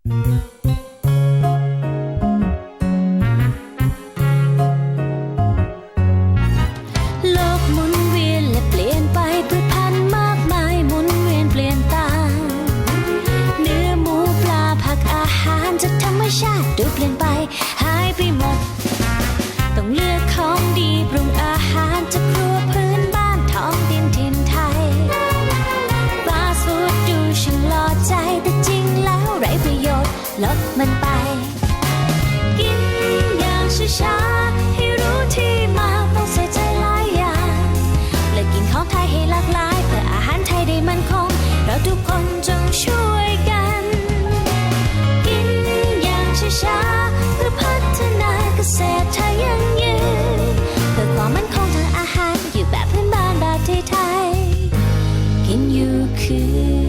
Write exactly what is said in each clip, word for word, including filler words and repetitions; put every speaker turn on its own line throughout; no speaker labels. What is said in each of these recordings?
โลกหมุนเวียนและเปลี่ยนไปพืชพันธุ์มากมายหมุนเวียนเปลี่ยนตามเนื้อหมูปลาผักอาหารจากธรรมชาติดูเปลี่ยนไปหายไปหมดต้องเลือกของดีปรุงอาหารจากครัวพื้นบ้านท้องถิ่นถิ่นไทยฟาสต์ฟู้ดดูช่างหล่อใจแต่จริงแล้วไร้ประโยชน์ลดมันไปกินอย่างช้าๆให้รู้ที่มาต้องใส่ใจหลายอย่างเลือกกินของไทยให้หลากหลายเพื่ออาหารไทยได้มั่นคงเราทุกคนจงช่วยกันกินอย่างช้าๆเพื่อพัฒนาเกษตรไทยยั่งยืนเพื่อความมั่นคงทางอาหารอยู่แบบพื้นบ้านแบบไทยๆกินอยู่คือ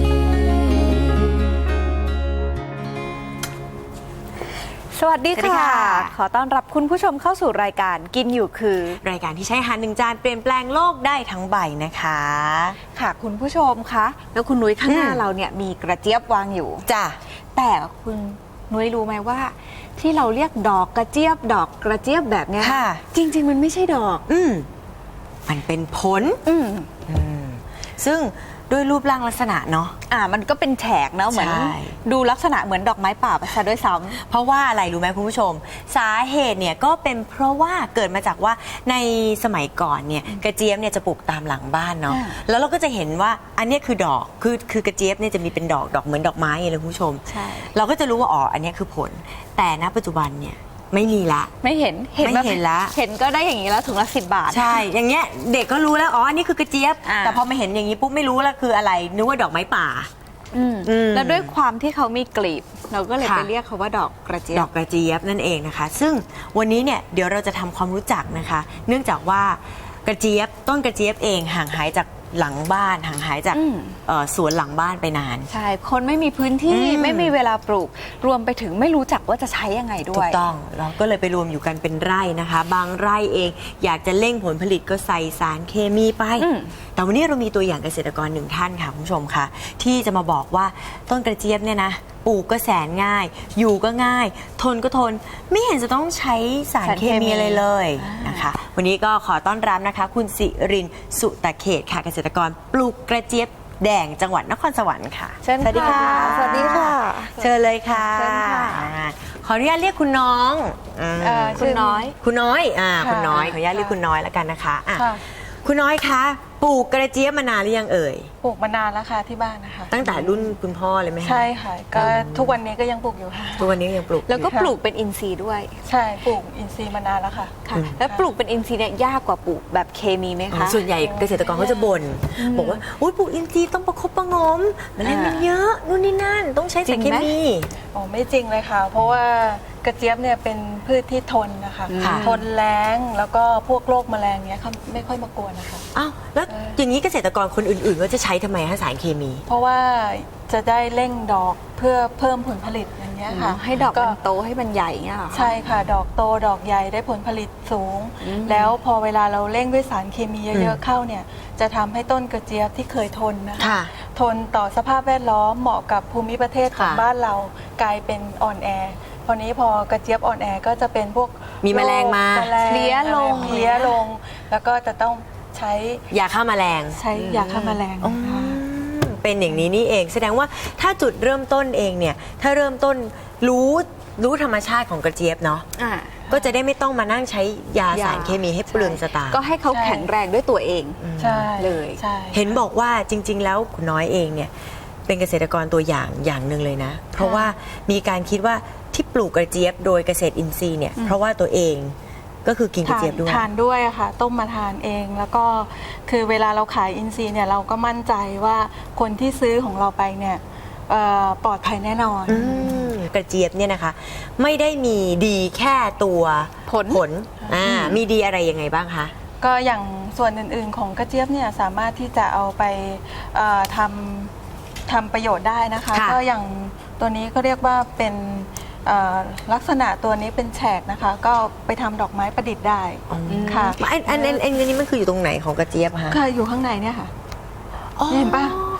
สวัสดีค่ะ ขอต้อนรับคุณผู้ชมเข้าสู่รายการกินอยู่คือ
รายการที่ใช้อาหารหนึ่งจานเปลี่ยนแปลงโลกได้ทั้งใบนะคะ
ค่ะคุณผู้ชมคะแล้วคุณนุ้ยข้างหน้าเราเนี่ยมีกระเจี๊ยบวางอยู่
จ้ะ
แต่คุณนุ้ยรู้ไหมว่าที่เราเรียกดอกกระเจี๊ยบดอกกระเจี๊ยบแบบเนี้ยจริงๆมันไม่ใช่ดอก
อืมมันเป็นผลอืมอืมซึ่งด้วยรูปร่างลักษณะเนาะ
อ่ามันก็เป็นแฉกเนาะเหมือนดูลักษณะเหมือนดอกไม้ป่าไปซะด้วยซ้
ำเพราะว่าอะไรรู้ไหมคุณผู้ชมสาเหตุเนี่ยก็เป็นเพราะว่าเกิดมาจากว่าในสมัยก่อนเนี่ยกระเจี๊ยบเนี่ยจะปลูกตามหลังบ้านเนาะแล้วเราก็จะเห็นว่าอันนี้คือดอกคือคือกระเจี๊ยบเนี่ยจะมีเป็นดอกดอกเหมือนดอกไม้เลยคุณผู้ชม
ใช่
เราก็จะรู้ว่าอ๋ออันนี้คือผลแต่ณปัจจุบันเนี่ยไม่มีละ
ไม่เห็น
เห็นไม่เห็นละ
เห็นก็ได้อย่างนี้แล้วถุงละสิบบาท
ใช่อย่างเงี้ยเด็กก็รู้แล้วอ๋ออันนี้คือกระเจี๊ยบแต่พอมาเห็นอย่างนี้ปุ๊บไม่รู้แล้วคืออะไรนึกว่าดอกไม้ป่า
แล้วด้วยความที่เขามีกลีบเราก็เลยไปเรียกเขาว่าดอกกระเจี๊ยบ
ดอกกระเจี๊ยบนั่นเองนะคะซึ่งวันนี้เนี่ยเดี๋ยวเราจะทำความรู้จักนะคะเนื่องจากว่ากระเจี๊ยบต้นกระเจี๊ยบเองห่างหายจากหลังบ้านห่างหายจากสวนหลังบ้านไปนาน
ใช่คนไม่มีพื้นที่ไม่มีเวลาปลูกรวมไปถึงไม่รู้จักว่าจะใช้ยังไงด้วย
ถูกต้องเราก็เลยไปรวมอยู่กันเป็นไร่นะคะบางไร่เองอยากจะเร่งผลผลิตก็ใส่สารเคมีไปแต่วันนี้เรามีตัวอย่างเกษตรกรหนึ่งท่านค่ะคุณผู้ชมค่ะที่จะมาบอกว่าต้นกระเจี๊ยบเนี่ยนะปลูกก็แสนง่ายอยู่ก็ง่ายทนก็ทนไม่เห็นจะต้องใช้สารเคมีอะไรเลยนะคะวันนี้ก็ขอต้อนรับนะคะคุณสิรินทร์สุตเขตค่ะเกษตรกรปลูกกระเจี๊ยบแดงจังหวัดนครสวรรค์ค่ะ
สวัสดีค่ะ
สวัสดีค่ะเชิญเลยค่ะขออนุญาตเรียกคุณน้อง
คุณน้อย
คุณน้อยอ่าคุณน้อยขออนุญาตเรียกคุณน้อยแล้วกันนะคะคุณน้อยคะปลูกกระเจี๊ยบมานานหรือยังเอ่ย
ปลูกมานานแล้วค่ะที่บ้านนะคะ
ตั้งแต่รุ่นคุณพ่อเลยไหมคะ
ใช่ค่ะก็ทุกวันนี้ก็ยังปลูกอยู่ค่ะ
ทุกวันนี้ยังปลูก
แล้วก็ปลูกเป็นอินทรีย์ด้วย
ใช่ปลูกอินทรีย์มานานแล้วค่ะ
แล้วปลูกเป็นอินทรีย์เนี่ยยากกว่าปลูกแบบเคมีไหมคะ
ส่วนใหญ่เกษตรกรเขาจะบ่นบอกว่าอุ้ยปลูกอินทรีย์ต้องประคบประงมแมลงมันเยอะนู่นนี่นั่นต้องใช้สารเคมี
อ๋อไม่จริงเลยค่ะเพราะว่ากระเจี๊ยบเนี่ยเป็นพืชที่ทนนะคะทนแล้งแล้วก็พวกโรคแมลงเนี้ยเขาไม่ค่อยมากวนนะคะ
อ้าวแล้วอย่างนี้เกษตรกรคนอื่นๆก็จะใช้ทำไมคะสารเคมี
เพราะว่าจะได้เร่งดอกเพื่อเพิ่มผลผลิตอย่างเงี้ยค่ะ
ให้ดอกมันโตให้มันใหญ่เงี้ย
ใช่ค่ะดอกโตดอกใหญ่ได้ผลผลิตสูงแล้วพอเวลาเราเร่งด้วยสารเคมีเยอะๆเข้าเนี่ยจะทำให้ต้นกระเจี๊ยบที่เคยทนนะคะทนต่อสภาพแวดล้อมเหมาะกับภูมิประเทศของบ้านเรากลายเป็นอ่อนแอพอนี้พอกระเจี๊ยบอ่อนแอก็จะเป็นพวก
มีแมลงมา
เพลี้ยลง
เพลี้ยลงแล้วก็จะต้องใช้
ยาฆ่าแมลง
ใช้ยาฆ่าแมลง
เป็นอย่างนี้นี่เองแสดงว่าถ้าจุดเริ่มต้นเองเนี่ยถ้าเริ่มต้นรู้รู้ธรรมชาติของกระเจี๊ยบเนาะก็จะได้ไม่ต้องมานั่งใช้ยาสารเคมีให้เปลืองสตางค์
ก็ให้เขาแข็งแรงด้วยตัวเองเลย
เห็นบอกว่าจริงๆแล้วคุณน้อยเองเนี่ยเป็นเกษตรกรตัวอย่างอย่างหนึ่งเลยนะเพราะว่ามีการคิดว่าที่ปลูกกระเจี๊ยบโดยเกษตรอินทรีย์เนี่ยเพราะว่าตัวเองก็คือกินกระเจี๊ยบด้วย
ทานด้วยค่ะต้มมาทานเองแล้วก็คือเวลาเราขายอินทรีย์เนี่ยเราก็มั่นใจว่าคนที่ซื้อของเราไปเนี่ยปลอดภัยแน่นอน
กระเจี๊ยบเนี่ยนะคะไม่ได้มีดีแค่ตัวผลผลมีดีอะไรยังไงบ้างคะ
ก็อย่างส่วนอื่นๆของกระเจี๊ยบเนี่ยสามารถที่จะเอาไปทำทำประโยชน์ได้นะคะก็อย่างตัวนี้ก็เรียกว่าเป็นลักษณะตัวนี้เป็นแฉกนะคะก็ไปทำดอกไม้ประดิษฐ์ได้ค่ะ
อันอันอันนี้มันคืออยู่ตรงไหนของกระเจี๊ยบคะ
ค่ะอยู่ข้างในเนี่ยค่ะเห็นปะ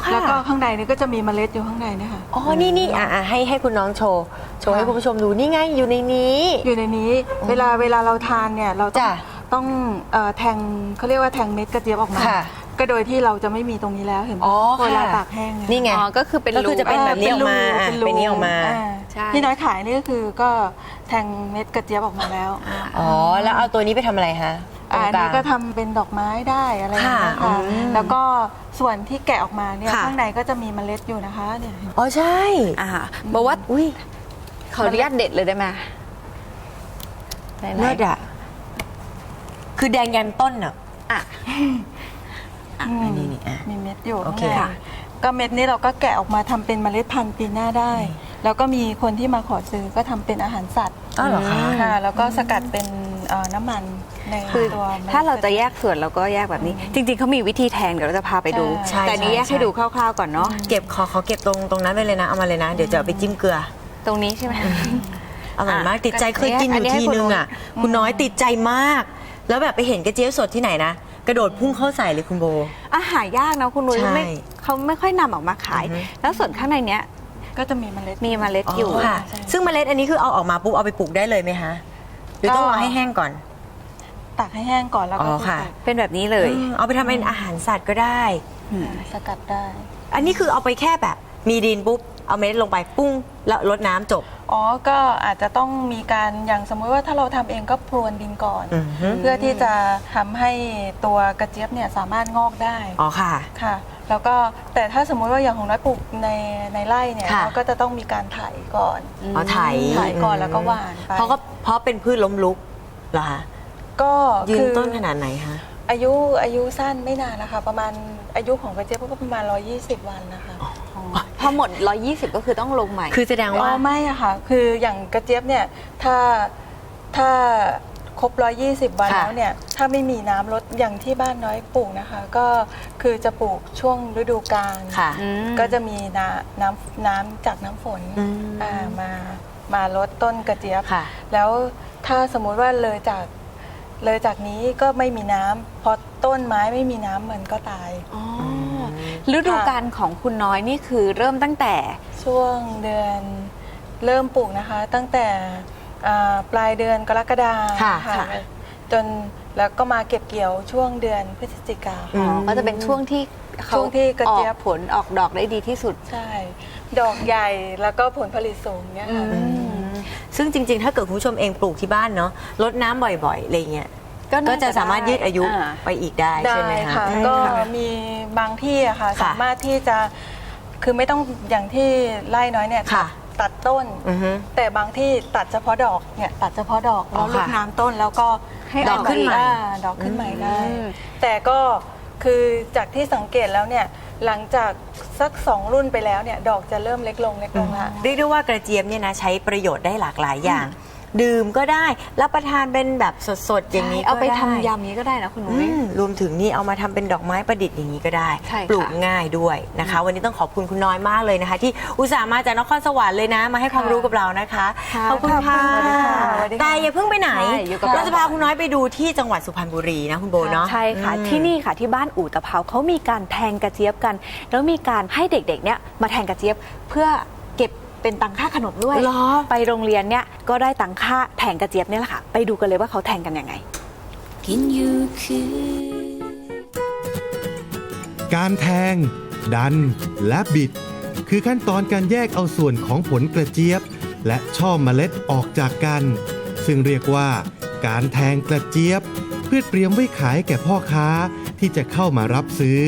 ค่ะ
แล้วก็ข้างในนี่ก็จะมีเมล็ดอยู่ข้างในนะคะ
อ๋อ นี่นี่อ่ะอ่ะให้ให้คุณน้องโชว์ โชว์ให้คุณผู้ชมดู นี่ไง อยู่ในนี้
อยู่ในนี้เวลาเวลาเราทานเนี่ยเราต้อง
จ้ะ
ต้องเอ่อแทงเขาเรียกว่าแทงเม็ดกระเจี๊ยบออกมา
ค่ะ
ก็โดยที่เราจะไม่มีตรงนี้แล้วเห็นไหม
อ๋อ
เวลา
ค่ะ
ตากแห้งเย
นี่ไง
อ๋อก็คือเป็น
ก็คือจะเป็น
รู
แบบนี้ออกมาอ่ะ
รู
เป็นนี้ออกมา
ใช่
ที่น้อยขายนี่ก็คือก็แทงเม็ดกระเจี๊ยบออกมาแล้ว
อ๋อ แล้วเอาตัวนี้ไปทำอะไรคะ
อะอัน
ตรง
นี้
ลาง
ก็ทำเป็นดอกไม้ได้อะไรอย่างเงี้ย
ค่ะ
ค่ะ
อืม
แล้วก็ส่วนที่แกะออกมาเนี่ย
ค่ะ
ข้างในก็จะมีเมล็ดอยู่นะคะเนี่ย
อ๋อ ใช่
อ่าบอกว่า
อุ้ย
ขออนุญาตเด็ดเลยได้ไหมไหนๆ
เลิศอ่ะ คือแดงยันต้นอ่ะ
อ่ะ
อืม
นี่นี่อ่ะ
มีเม็ดอยู่
โอเค
ข้างใน
ค่ะ
ก็เม็ดนี้เราก็แกะออกมาทำเป็นเมล็ดพันธุ์ปีหน้าได้ แล้วก็มีคนที่มาขอซื้อก็ทำเป็นอาหารสัตว์
อ้าวเหรอคะ
ค่ะแล้วก็สกัดเป็นเอ่อน้ำมันใน
คือ
ตัวมล็ด
ถ้าเราจะแยกส่วนเราก็แยกแบบนี้ จริงๆเขามีวิธีแทงเดี๋ยวเราจะพาไปดู
ใช่
แต่นี้แยก
ใช่
ให้ดูคร่าวๆก่อนเนาะ
เก็บขอขอเก็บตรงตรงนั้นไปเลยนะ เอามาเลยนะ เดี๋ยวจะเอาไปจิ้มเกลือ
ตรงนี้ใช่ไหม
อร่อยมาก
อ่ะ
ติดใจเคยกินอ
อัน
ยู่
นี้ให้
ที
คุณ
นึง
น้อย
อ่ะ คุณน้อยติดใจมาก แล้วแบบไปเห็นกระเจี๊ยบสดที่ไหนนะ กระโดดพุ่งเข้าใส่เลยคุณโบ
อาหารยากนะคุณนุ้ย
ใช่
ไม่เขาไม่ค่อยนำออกมาขาย
อือฮึ
แล้วส่วนข้างในเนี้ย
ก็จะมีเมล็ด
มีเมล็ดอยู่
ค่ะ
ใช่
ซึ่งเมล็ดอันนี้คือเอาออกมาปุ๊บเอาไปปลูกได้เลยไหมคะหรือต้องรอให้แห้งก่อน
ตากให้แห้งก่อนแล้วก็
อ๋อค่ะ
เป็นแบบนี้เลย
อืมเอาไปทำเป็นอาหารสัตว์ก็ได้
สกัดได้
อันนี้คือเอาไปแค่แบบ มีดินปุ๊บ เอาเม็ดลงไปปุ้ง แล้วรดน้ำจบ
อ๋อ ก็อาจจะต้องมีการอย่างสมมุติว่าถ้าเราทำเองก็พรวนดินก่อน
อือฮึ
เพื่อที่จะทำให้ตัวกระเจี๊ยบเนี่ยสามารถงอกได้
อ๋อค่ะ
ค่ะ แล้วก็แต่ถ้าสมมุติว่าอย่างของน้อยปลูกในในไร่เนี่ย
ค่ะ
เราก็จะต้องมีการไถก่อน
อ๋อไถ
ไถก่อนแล้วก็หว่านไป
เพราะก็เพราะเป็นพืชล้มลุกเหรอคะ
ก็
ยืน
คือ
ต้นขนาดไหนคะ
อายุอายุสั้นไม่นานนะคะ ประมาณอายุของกระเจี๊ยบก็ประมาณหนึ่งร้อยยี่สิบวันนะคะ
พอหมดหนึ่งร้อยยี่สิบก็คือต้องลงใหม่
คือแสดง
อ๋
ว่า
อไม่อะค่ะ คืออย่างกระเจี๊ยบเนี่ยถ้าถ้าครบหนึ่งร้อยยี่สิบวัน
ค่ะ
แล้วเนี่ยถ้าไม่มีน้ำลดอย่างที่บ้านน้อยปลูกนะคะ ก็คือจะปลูกช่วงฤดูกาล
ค่ะ
อืม
ก็จะมีน้ำน้ำน้ำจากน้ำฝน
อืม
อ่ามามาลดต้นกระเจี๊ยบ
ค่ะ
แล้วถ้าสมมุติว่าเลยจากเลยจากนี้ก็ไม่มีน้ำพอต้นไม้ไม่มีน้ำมันก็ตาย
อ๋อฤดูกาลของคุณน้อยนี่คือเริ่มตั้งแต่
ช่วงเดือนเริ่มปลูกนะคะ ตั้งแต่อ่าปลายเดือนกรกฎา
ค่ะ
ค่ะ
ค่ะ
จนแล้วก็มาเก็บเกี่ยวช่วงเดือนพฤศจิกา
อื
อ๋อ
ม
ก็จะเป็นช่วงที่เขา
ช่วงที่กระเจี๊ยบ
ออผลออกดอกได้ดีที่สุด
ใช่ ดอกใหญ่แล้วก็ผลผลิตสูงเนี่ยค่ะ
อืม
ซึ่งจริงๆ ถ้าเกิดคุณผู้ชมเองปลูกที่บ้านเนาะรดน้ำบ่อยๆ อะไรเงี้ย
ก็น่า
ก็จะสามารถยืดอายุ
อ่า
ไปอีกได้
ได้
ใช่ไหมคะ
ค่ะ
ได้
ก็
ค่ะ
มีบางที่อะค่ะ
ค่ะ
สามารถที่จะคือไม่ต้องอย่างที่ไร่น้อยเนี่ย
ค่ะ
ตัดต้น
อือฮึ
แต่บางที่ตัดเฉพาะดอกเนี่ยตัดเฉพาะดอก
อ๋
แล้
อ
วรด
ค่ะ
น้ำต้นแล้วก็
ให้
ดอกขึ้นใหม่
อ่าดอกขึ้นใหม่ได้
อืม
แต่ก็คือจากที่สังเกตแล้วเนี่ยหลังจากสักสองรุ่นไปแล้วเนี่ยดอกจะเริ่มเล็กลงเล็กลงละ
เรียกได้ว่ากระเจี๊ยบเนี่ยนะใช้ประโยชน์ได้หลากหลายอย่าง ดื่มก็ได้รับประทานเป็นแบบสดๆ อย่างนี้ก็
เอาไป
ด้
ทำยำนี้ก็ได้นะคุณนุ้ย
อืมรวมถึงนี่เอามาทำเป็นดอกไม้ประดิษฐ์อย่างนี้ก็ได้
ใช่ค่ะ
ปลูกง่ายด้วยนะคะ วันนี้ต้องขอบคุณคุณน้อยมากเลยนะคะ ที่อุตส่าห์มาจากนครสวรรค์เลยนะ มาให้ความรู้กับเรานะคะ
ค่ะ
ขอบคุณค่ะ
สวัสดีค่ะสวัสดีค่ะ
แต่อย่าเพิ่งไปไหน
ใช่อยู่กับ
เราจะพาคุณน้อยไปดูที่จังหวัดสุพรรณบุรีนะคุณโบเนาะ
ใช่ค่ะ
อืม
ที่นี่ค่ะที่บ้านอู่ตะเภาเขามีการแทงกระเจี๊ยบกัน แล้วมีการให้เด็กๆเนี่ยมาแทงกระเจี๊ยบเพื่อเก็บเป็นตังค่าขนมด้วย
เหรอ
ไปโรงเรียนเนี่ยก็ได้ตังค่าแทงกระเจี๊ยบเนี่ยแหละค่ะไปดูกันเลยว่าเขาแทงกันยังไง
กินอยู่คือ
การแทง ดัน และบิด คือขั้นตอนการแยกเอาส่วนของผลกระเจี๊ยบ และช่อเมล็ดออกจากกัน ซึ่งเรียกว่า การแทงกระเจี๊ยบ เพื่อเตรียมไว้ขายแก่พ่อค้าที่จะเข้ามารับซื้อ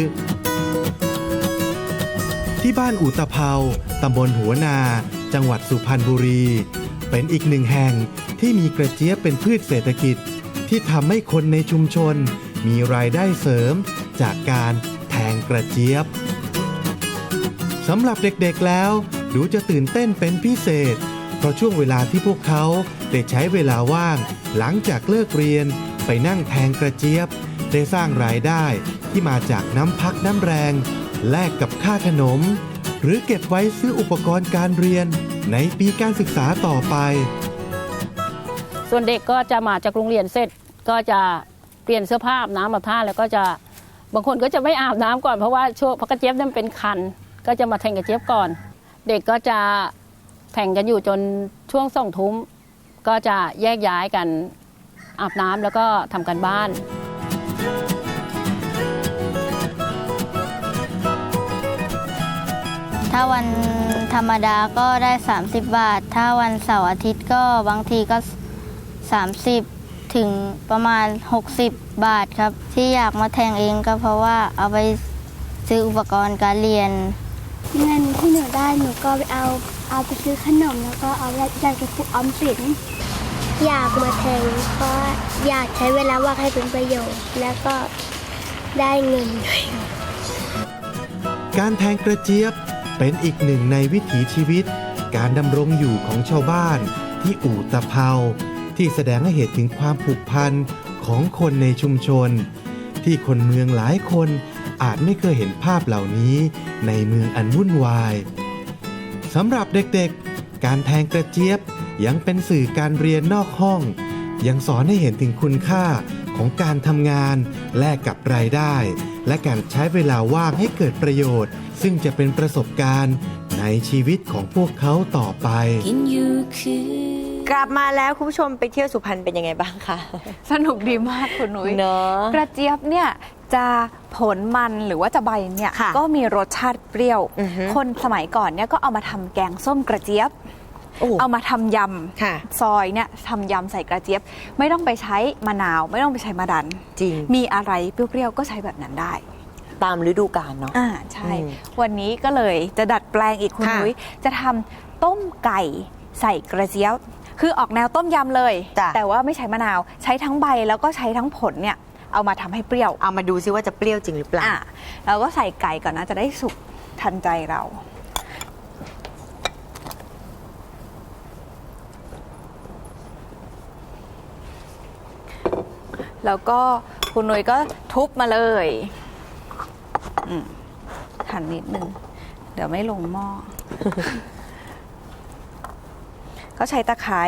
ที่บ้านอู่ตะเภาตำบลหัวนา จังหวัดสุพรรณบุรี เป็นอีกหนึ่งแห่งที่มีกระเจี๊ยบเป็นพืชเศรษฐกิจ ที่ทำให้คนในชุมชน มีรายได้เสริมจากการแทงกระเจี๊ยบสำหรับเด็กๆแล้ว ดูจะตื่นเต้นเป็นพิเศษ เพราะช่วงเวลาที่พวกเขาได้ใช้เวลาว่าง หลังจากเลิกเรียนไปนั่งแทงกระเจี๊ยบ ได้สร้างรายได้ที่มาจากน้ำพักน้ำแรง แลกกับค่าขนม หรือเก็บไว้ซื้ออุปกรณ์การเรียนในปีการศึกษาต่อไป
ส่วนเด็กก็จะมาจากโรงเรียนเสร็จก็จะเปลี่ยนเสื้อผ้าอาบน้ำอาบท่าแล้วก็จะบางคนก็จะไม่อาบน้ำก่อนเพราะว่าช่วงเพราะกระเจี๊ยบเนี่ยมันเป็นคัน ก็จะมาแทงกระเจี๊ยบก่อน เด็กก็จะแทงกันอยู่จนช่วงสองทุ่มก็จะแยกย้ายกันอาบน้ำแล้วก็ทำกันบ้าน
ถ้าวันธรรมดาก็ได้สามสิบบาท ถ้าวันเสาร์อาทิตย์ก็บางทีก็สามสิบถึงประมาณหกสิบบาทครับ ที่อยากมาแทงเองก็เพราะว่าเอาไปซื้ออุปกรณ์การเรียน
เงินที่หนูได้หนูก็ไปเอาเอาไปซื้อขนมแล้วก็เอาไปกระปุกออมสินอยากมาแทงเพราะอยากใช้เวลาว่างให้เป็นประโยชน์แล้วก็ได้เงินด้วย
การแทงกระเจี๊ยบเป็นอีกหนึ่งในวิถีชีวิต การดำรงอยู่ของชาวบ้านที่อู่ตะเภาที่แสดงให้เห็นถึงความผูกพันของคนในชุมชน ที่คนเมืองหลายคนอาจไม่เคยเห็นภาพเหล่านี้ในเมืองอันวุ่นวายสำหรับเด็กๆการแทงกระเจี๊ยบยังเป็นสื่อการเรียนนอกห้อง ยังสอนให้เห็นถึงคุณค่าของการทำงานแลกกับรายได้ และการใช้เวลาว่างให้เกิดประโยชน์ ซึ่งจะเป็นประสบการณ์ในชีวิตของพวกเขาต่อไป
กินอยู่คือก
ลับมาแล้วคุณผู้ชมไปเที่ยวสุพรรณเป็นยังไงบ้างคะ
สนุกดีมากคุณนุ้ย
เนอะ
กระเจี๊ยบเนี่ยจะผลมันหรือว่าจะใบเนี่ย
ค่ะ
ก็มีรสชาติเปรี้ยว
อือฮึ
คนสมัยก่อนเนี่ยก็เอามาทำแกงส้มกระเจี๊ยบ
โอ้
เอามาทำย
ค่ะ
ำซอยเนี่ยทำยำใส่กระเจี๊ยบ ไม่ต้องไปใช้มะนาว ไม่ต้องไปใช้มะดัน
จริง
มีอะไรเปรี้ยวๆก็ใช้แบบนั้นได้
ตามฤดูกาลเนาะ
อ่าใช่
อืม
วันนี้ก็เลยจะดัดแปลงอีกคุณ
ค่ะ
นุ้ยจะทำต้มไก่ใส่กระเจี๊ยบ คือออกแนวต้มยำเลย
จ้ะ
แต่ว่าไม่ใช้มะนาว ใช้ทั้งใบแล้วก็ใช้ทั้งผลเนี่ยเอามาทำให้เปรี้ยว
เอามาดูซิว่าจะเปรี้ยวจริงหรือเปล่า
อ่ะเราก็ใส่ไก่ก่อนนะจะได้สุกทันใจเรา แล้วก็คุณนุ้ยก็ทุบมาเลยอืมหั่นนิดนึง เดี๋ยวไม่ลงหม้อ ก็ใช้ตะไคร้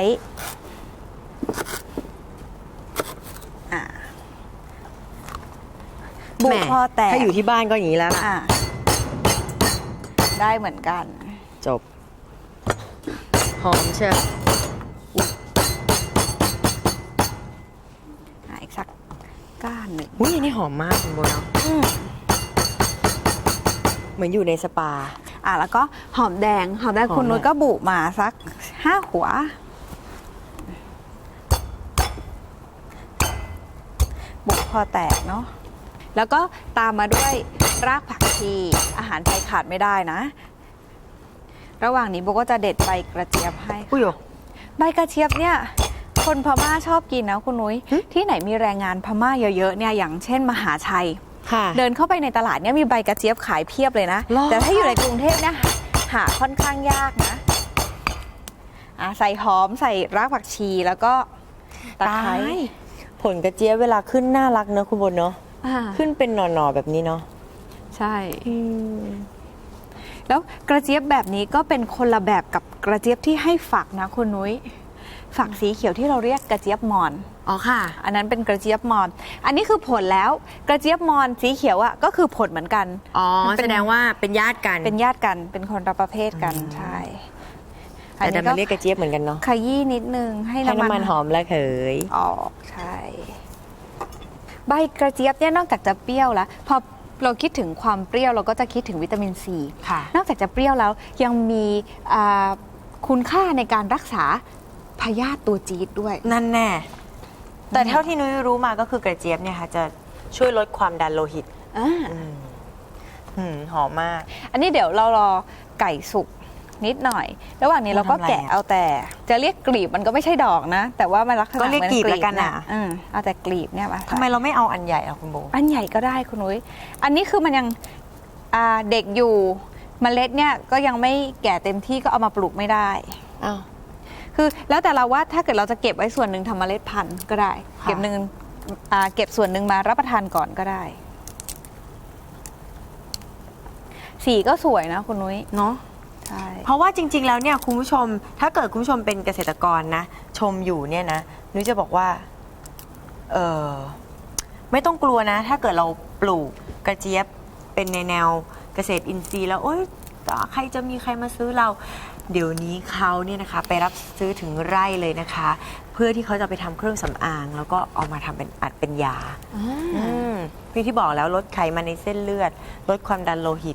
อ่ะบุ
แหม
กพอแตก
ถ้าอยู่ที่บ้านก็อย่างนี้แล้ว
อ่ะได้เหมือนกัน
จบ หอมเชียว
อ่ะอีกสักก้านหนึ่ง
อุ้ยอันนี้หอมมากคุณโบเนาะ
อืม
เหมือนอยู่ในสปา
อ่ะแล้วก็หอมแดง หอมแดง
หอม
คุณนุ้ย
แดง
ก็บุมาสักห้าหัว บุพอแตกเนาะ แล้วก็ตามมาด้วยรากผักชี อาหารไทยขาดไม่ได้นะ ระหว่างนี้โบก็จะเด็ดใบกระเจี๊ยบให้
อุ้ยโย
ใบกระเจี๊ยบเนี่ย คนพม่าชอบกินนะคุณนุ้ย ที่ไหนมีแรงงานพม่าเยอะๆเนี่ยอย่างเช่นมหาชัย
ค่ะ
เดินเข้าไปในตลาดเนี่ยมีใบกระเจี๊ยบขายเพียบเลยนะ
หรอ
แต่ถ้าอยู่ในกรุงเทพเนี่ยหาค่อนข้างยากนะอ่ะใส่หอมใส่รากผักชีแล้วก็ตะไคร้
ตายผลกระเจี๊ยบเวลาขึ้นน่ารักเนอะคุณโบเนาะ
อ่า
ขึ้นเป็นหน่อๆแบบนี้เนาะ
ใช่ แล้วกระเจี๊ยบแบบนี้ก็เป็นคนละแบบกับกระเจี๊ยบที่ให้ฝักนะคุณนุ้ย ฝักสีเขียวที่เราเรียกกระเจี๊ยบมอน
อ๋อค่ะ
อันนั้นเป็นกระเจี๊ยบมอน อันนี้คือผลแล้วกระเจี๊ยบมอนสีเขียวอะก็คือผลเหมือนกัน
อ๋อ
มันเป็น
แสดงว่าเป็นญาติกัน
เป็นญาติกันเป็นคนละประเภทกันใช่
แต่ดันมาเรียกกระเจี๊ยบเหมือนกันเนาะ
ขยี้นิดนึงให้
ให้
น้ำ
น้ำ
มั
มัน นหอมและเขย
ออกใช่ใบกระเจี๊ยบเนี่ยนอกจากจะเปรี้ยวแล้วพอเราคิดถึงความเปรี้ยวเราก็จะคิดถึงวิตามินซี
ค่ะ
นอกจากจะเปรี้ยวแล้วยังมีอ่าคุณค่าในการรักษาพยาธิตัวจี๊ดด้วย
นั่นแน่ แต่เท่าที่นุ้ยรู้มาก็คือกระเจี๊ยบเนี่ยค่ะจะช่วยลดความดันโลหิต
อ่า
อืมหืมหอมมาก
อันนี้เดี๋ยวเรารอไก่สุกนิดหน่อย ระหว่างนี้เราก็
ทำอะไร
แกะ
อะ
เอาแต่ จะเรียกกลีบมันก็ไม่ใช่ดอกนะ แต่ว่ามันลักษณะ
ก็เรียก
หมือน
กลีบแล้วกันอะ
อืมเอาแต่กลีบเนี่ยมา
ทำไมเราไม่เอาอันใหญ่อะคุณโบ
อันใหญ่ก็ได้คุณนุ้ยอันนี้คือมันยังอ่าเด็กอยู่เมล็ดเนี่ยก็ยังไม่แก่เต็มที่ก็เอามาปลูกไม่ได้
อ้าว
คือแล้วแต่เราว่าถ้าเกิดเราจะเก็บไว้ส่วนหนึ่งทำเมล็ดพันธุ์ก็ได้
ค่ะ
เก็บหนึ่งอ่าเก็บส่วนหนึ่งมารับประทานก่อนก็ได้ สีก็สวยนะคุณนุ้ย
เนาะ
ใช่
เพราะว่าจริง ๆ แล้วเนี่ยคุณผู้ชม ถ้าเกิดคุณผู้ชมเป็นเกษตรกรนะ ชมอยู่เนี่ยนะนุ้ยจะบอกว่า เออไม่ต้องกลัวนะ ถ้าเกิดเราปลูกกระเจี๊ยบเป็นในแนวเกษตรอินทรีย์แล้วโอ๊ยใครจะมีใครมาซื้อเรา เดี๋ยวนี้เขาเนี่ยนะคะไปรับซื้อถึงไร่เลยนะคะ เพื่อที่เขาจะไปทำเครื่องสำอาง แล้วก็เอามาทำเป็นอัดเป็นยาพี่ที่บอกแล้วลดไขมันในเส้นเลือด ลดความดันโลหิต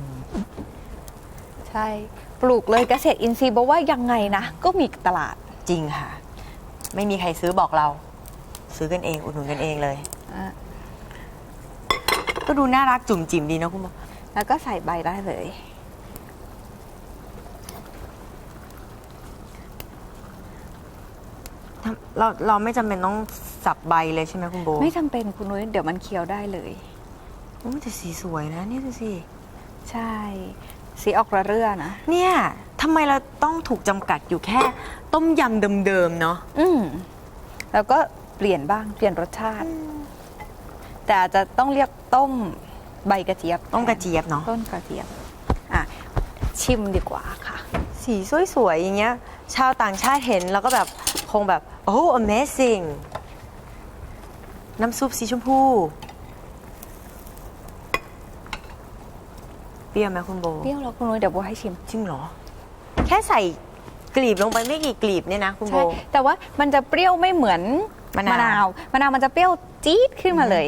ใช่ปลูกเลยเกษตรอินทรีย์บอกว่ายังไงนะก็มีตลาด
จริงค่ะ ไม่มีใครซื้อบอกเรา ซื้อกันเองอุดหนุนกันเองเลย ก็ดูน่ารักจุ่มจิ๋มดีนะคุณหมอ
แล้วก็ใส่ใบได้เลย
เราเราไม่จำเป็นต้องสับใบเลยใช่ไหมคุณโบ
ไม่จำเป็นคุณนุ้ยเดี๋ยวมันเคี้ยวได้เลย
โอ้แต่สีสวยนะนี่ดูสิ
ใช่สีออกระเรื่อนะ
เนี่ยทำไมเราต้องถูกจำกัดอยู่แค่ต้มยำเดิมๆเนาะ
อืมแล้วก็เปลี่ยนบ้างเปลี่ยนรสชาติ แต่อาจจะต้องเรียกต้มใบกระเจี๊ยบ
ต้มกระเจี๊ยบเนาะ
ต้นกระเจี๊ยบอ่ะชิมดีกว่าค่ะ
สีสวยๆอย่างเงี้ย ชาวต่างชาติเห็นแล้วก็แบบคงแบบโอ้ amazing น้ำซุปสีชมพูเปรี้ยวไหมคุณโบ
เปรี้ยวแล้วคุณนุ้ยเดี๋ยวโบให้ชิม
จริงเหรอ แค่ใส่กลีบลงไปไม่กี่กลีบเนี่ยนะคุณโบ
ใช่แต่ว่ามันจะเปรี้ยวไม่เหมือน
มะนาว
มะนาวมะนาวมันจะเปรี้ยวจี๊ดขึ้นมาเลย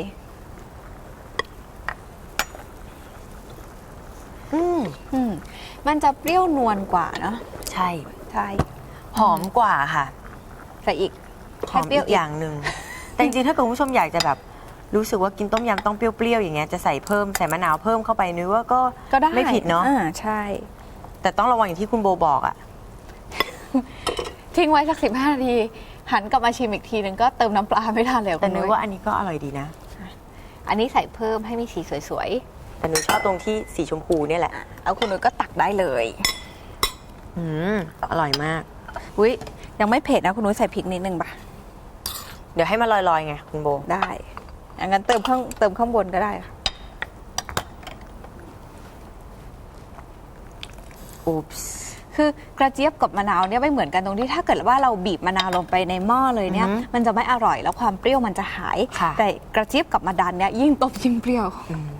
อืม
อืมมันจะเปรี้ยวนวลกว่าเนาะ
ใช่
ใช่
หอมกว่าค่ะ
ใส่อีก
หอมอีกอย่างหนึ่ง แต่จริงๆ ถ้าเกิดคุณผู้ชมอยากจะแบบรู้สึกว่ากินต้มยำต้องเปรี้ยวๆ อย่างเงี้ย จะใส่เพิ่มใส่มะนาวเพิ่มเข้าไปนึกว่าก็
ก็ได้
ไม่ผิดเนาะ
อ่าใช่
แต่ต้องระวังอย่างที่คุณโบบอกอะ
ทิ้งไว้สักสิบห้านาที หันกลับมาชิมอีกทีนึงก็เติมน้ำปลาไม่ทันแล้ว
แต่
คุณ
นึ
นุ้
ก
ย
ว่าอันนี้ก็อร่อยดีนะ
อันนี้ใส่เพิ่มให้มีสีสวย
แต่หนูชอบตรงที่สีชมพูเนี่ยแหละ
ๆแล้วคุณนุ้ยก็ตักได้เลย
อืมอร่อยมาก
อุ้ยยังไม่เผ็ดนะคุณนุ้ยใส่พริกนิดนึงป่ะ
เดี๋ยวให้มันลอยๆ ไงคุณโบ
ได้งั้นเติมข้างเติมข้างบนก็ได้ค่ะ
อุ๊ปส์
คือกระเจี๊ยบกับมะนาวเนี่ยไม่เหมือนกันตรงที่ถ้าเกิดว่าเราบีบมะนาวลงไปในหม้อเลยเนี่ย
อือหือ
มันจะไม่อร่อยแล้วความเปรี้ยวมันจะหาย
ค่ะ
แต่กระเจี๊ยบกับมะดันเนี่ยยิ่งต้มยิ่งเปรี้ยว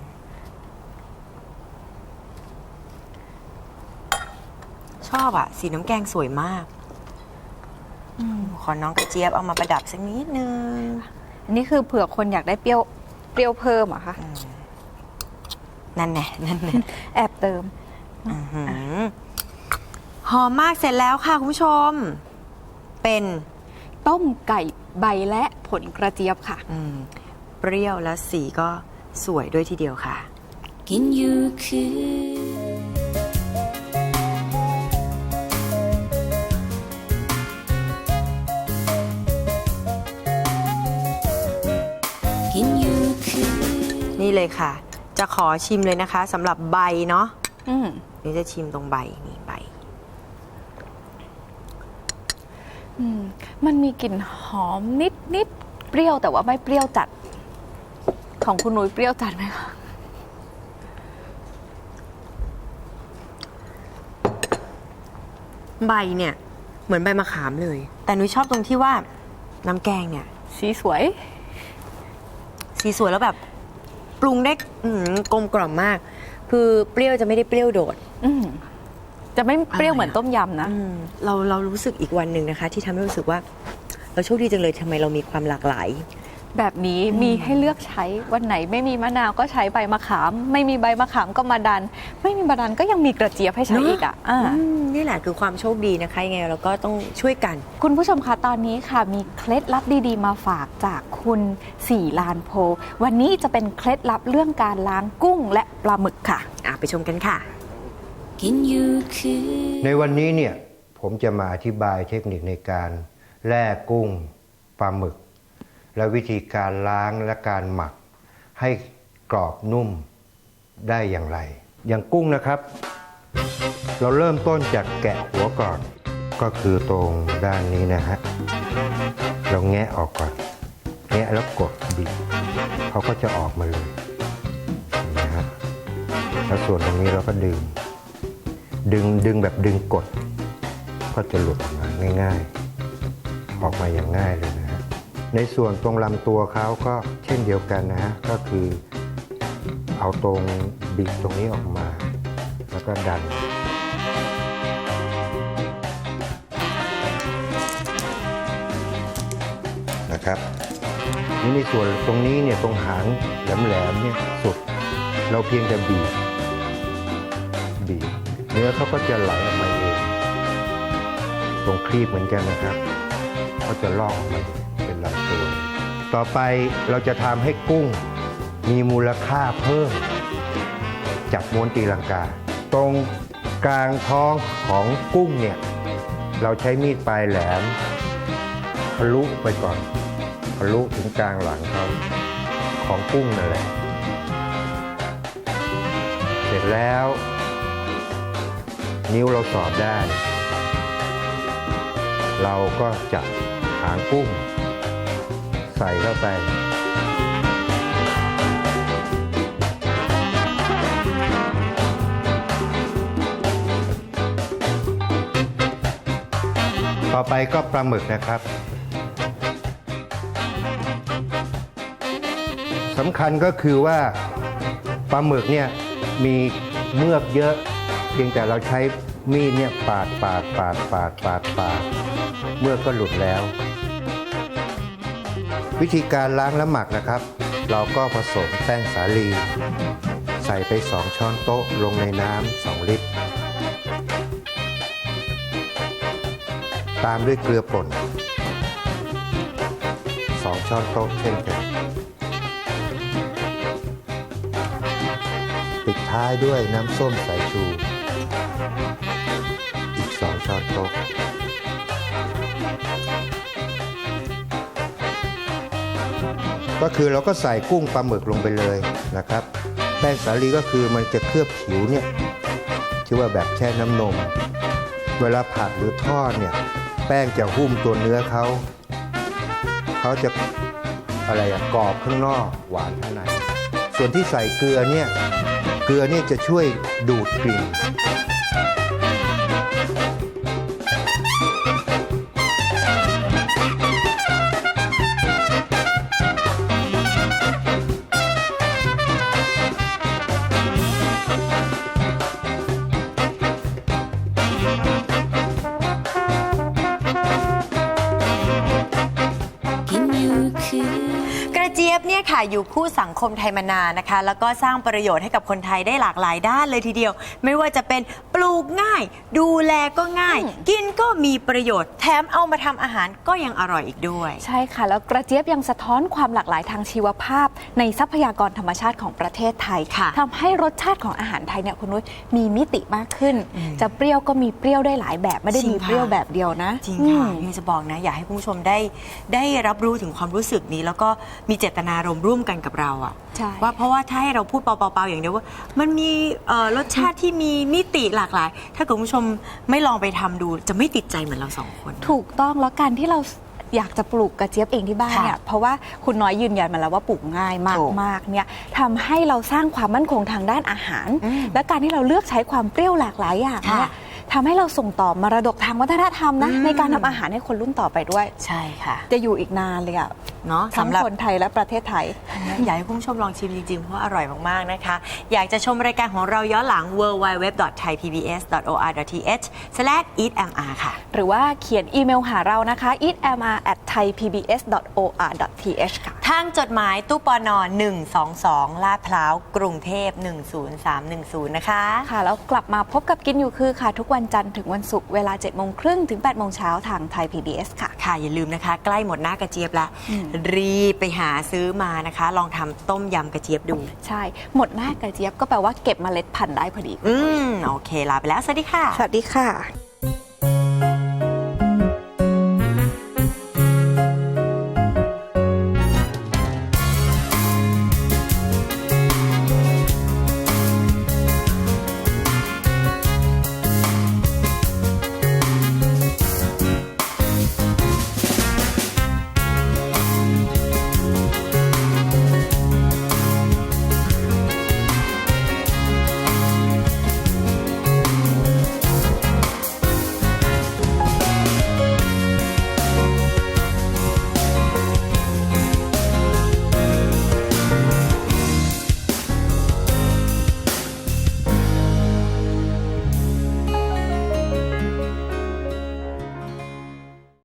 ชอบอะสีน้ำแกงสวยมากขอน้องกระเจี๊ยบเอามาประดับสักนิดนึง
อันนี้คือเผื่อคนอยากได้เปรี้ยวเปรี้ยวเพิ่มอะค่ะ
นั่นแน่นั่นแน่
แอบเติม
อื้อหือหอมมากเสร็จแล้วค่ะคุณผู้ชม เป็น
ต้มไก่ใบและผลกระเจี๊ยบค่ะ
อืมเปรี้ยวแล้วสีก็สวยด้วยทีเดียวค่ะ
กินอยู่คือกินอยู่คือ
นี่เลยค่ะ จะขอชิมเลยนะคะสำหรับใบเนาะ
อืม
นี่จะชิมตรงใบนี่ใบ
อืมมันมีกลิ่นหอมนิดนิดเปรี้ยวแต่ว่าไม่เปรี้ยวจัด ของคุณนุ้ยเปรี้ยวจัดไหมคะ
ใบเนี่ยเหมือนใบมะขามเลย แต่นุ้ยชอบตรงที่ว่าน้ำแกงเนี่ย
สีสวย
สีสวยแล้วแบบปรุงได้อื้อหือกลมกล่อมมาก คือเปรี้ยวจะไม่ได้เปรี้ยวโดด
อืมจะไม่เปรี้ยว
อร่อยอะ
เหมือนต้มยำนะ
อืมเราเรารู้สึกอีกวันหนึ่งนะคะ ที่ทำให้รู้สึกว่า เราโชคดีจังเลยทำไมเรามีความหลากหลาย
แบบนี้มีให้เลือกใช้วันไหนไม่มีมะนาวก็ใช้ใบมะขาม ไม่มีใบมะขามก็มาดัน ไม่มีมะดันก็ยังมีกระเจี๊ยบให้ใช้
เนอะ
อีกอ่ะอ่า
อืมนี่แหละคือความโชคดีนะคะยังไงเราก็ต้องช่วยกัน
คุณผู้ชมคะตอนนี้ค่ะมีเคล็ดลับดีๆ มาฝากจากคุณสี่ลานโพ วันนี้จะเป็นเคล็ดลับเรื่องการล้างกุ้งและปลาหมึกค่ะ
อ่ะไปชมกันค่ะ
กินอยู่คือ
ในวันนี้เนี่ยผมจะมาอธิบายเทคนิคในการแล่กุ้งปลาหมึก และวิธีการล้างและการหมักให้กรอบนุ่มได้อย่างไร อย่างกุ้งนะครับ เราเริ่มต้นจากแกะหัวก่อนก็คือตรงด้านนี้นะฮะเราแงะออกก่อนแงะแล้วกดบีบเขาก็จะออกมาเลยนะฮะแล้วส่วนตรงนี้เราก็ดึง ดึงดึงแบบดึงกดก็จะหลุดออกมาง่ายๆ ออกมาอย่างง่ายเลยนะฮะในส่วนตรงลำตัวเขาก็เช่นเดียวกันนะฮะก็คือเอาตรงบิดตรงนี้ออกมาแล้วก็ดันนะครับนี่ในส่วนตรงนี้เนี่ยตรงหางแหลมๆเนี่ยสุดเราเพียงแต่บีบบีบเนื้อเขาก็จะไหลออกมาเองตรงครีบเหมือนกันนะครับเขาจะลอกออกมาเป็นลำตัวต่อไปเราจะทำให้กุ้งมีมูลค่าเพิ่มจากม้วนตีลังกาตรงกลางท้องของกุ้งเนี่ยเราใช้มีดปลายแหลมทะลุไปก่อนทะลุถึงกลางหลังเขาของกุ้งนั่นแหละเสร็จแล้วนิ้วเราสอดได้เราก็จับหางกุ้งใส่เข้าไปต่อไปก็ปลาหมึกนะครับสำคัญก็คือว่าปลาหมึกเนี่ยมีเมือกเยอะเพียงแต่เราใช้มีดเนี่ยปาดปาดปาดปาดปาดปาดเมือกก็หลุดแล้ววิธีการล้างและหมักนะครับเราก็ผสมแป้งสาลีใส่ไปสองช้อนโต๊ะลงในน้ำสองลิตรตามด้วยเกลือป่นสองช้อนโต๊ะเช่นกันปิดท้ายด้วยน้ำส้มสายชูอีกสองช้อนโต๊ะก็คือเราก็ใส่กุ้งปลาหมึกลงไปเลยนะครับแป้งสาลีก็คือมันจะเคลือบผิวเนี่ยที่ว่าแบบแช่น้ำนมเวลาผัดหรือทอดเนี่ยแป้งจะหุ้มตัวเนื้อเขาเขาจะอะไรอะกรอบข้างนอกหวานข้างในส่วนที่ใส่เกลือเนี่ยเกลือเนี่ยจะช่วยดูดกลิ่น
กระเจี๊ยบเนี่ยค่ะอยู่คู่สังคมไทยมานานนะคะแล้วก็สร้างประโยชน์ให้กับคนไทยได้หลากหลายด้านเลยทีเดียวไม่ว่าจะเป็นปลูกง่ายดูแลก็ง่ายกินก็มีประโยชน์แถมเอามาทำอาหารก็ยังอร่อยอีกด้วย
ใช่ค่ะแล้วกระเจี๊ยบยังสะท้อนความหลากหลายทางชีวภาพในทรัพยากรธรรมชาติของประเทศไทยทำให้รสชาติของอาหารไทยเนี่ยคุณนุ้ยมีมิติมากขึ้นจะเปรี้ยวก็มีเปรี้ยวได้หลายแบบไม่ได้มีเปรี้ยวแบบเดียวนะ
จริงค่ะนี่จะบอกนะอยากให้คุณผู้ชมได้ได้รับรู้ถึงความรู้สึกนี้แล้วก็มีเจตนารมณ์ร่วมกันกับเราอะว่าเพราะว่าถ้าให้เราพูดเปล่าๆอย่างเดียวว่ามันมีรสชาติที่มีมิติหลากหลายถ้าคุณผู้ชมไม่ลองไปทำดูจะไม่ติดใจเหมือนเราสองคน
ถูกต้องแล้วการที่เราอยากจะปลูกกระเจี๊ยบเองที่บ้านเนี่ยเพราะว่าคุณน้อยยืนยันมาแล้วว่าปลูกง่ายมากๆเนี่ยทำให้เราสร้างความมั่นคงทางด้านอาหารและการที่เราเลือกใช้ความเปรี้ยวหลากหลายอย่างเนี่ยทำให้เราส่งต่อมรดกทางวัฒนธรรมนะในการทำอาหารให้คนรุ่นต่อไปด้วย
ใช่ค่ะ
จะอยู่อีกนานเลยอะ
เนาะ
ทั้งคนไทยและประเทศไทย
อยากให้คุณผู้ชมลองชิมจริงๆเพราะอร่อยมากๆนะคะอยากจะชมรายการของเราย้อนหลัง ดับเบิลยู ดับเบิลยู ดับเบิลยู ดอท ไทย พี บี เอส ดอท โอ อาร์ ดอท ที เอช สแลช อีท เอ็ม อาร์ ค่ะ
หรือว่าเขียนอีเมลหาเรานะคะ อีท เอ็ม อาร์ แอท ไทย พี บี เอส ดอท โอ อาร์ ดอท ที เอช ค่ะ
ทางจดหมายตู้ปนหนึ่งสองสองลาดพร้าวกรุงเทพหนึ่งศูนย์สามหนึ่งศูนย์นะคะ
ค่ะแล้วกลับมาพบกับกินอยู่คือค่ะทุกวันจันทร์ถึงวันศุกร์เวลา เจ็ดโมงครึ่งถึง แปดโมงเช้าทางไทย พี บี เอส ค่ะ
ค่ะอย่าลืมนะคะใกล้หมดหน้ากระเจี๊ยบละรีบไปหาซื้อมานะคะลองทำต้มยำกระเจี๊ยบดู
ใช่หมดหน้ากระเจี๊ยบก็แปลว่าเก็บเมล็ดพันธุ์ได้พอดี
อืมโอเคลาไปแล้วสวัสดีค่ะ
สวัสดีค่ะ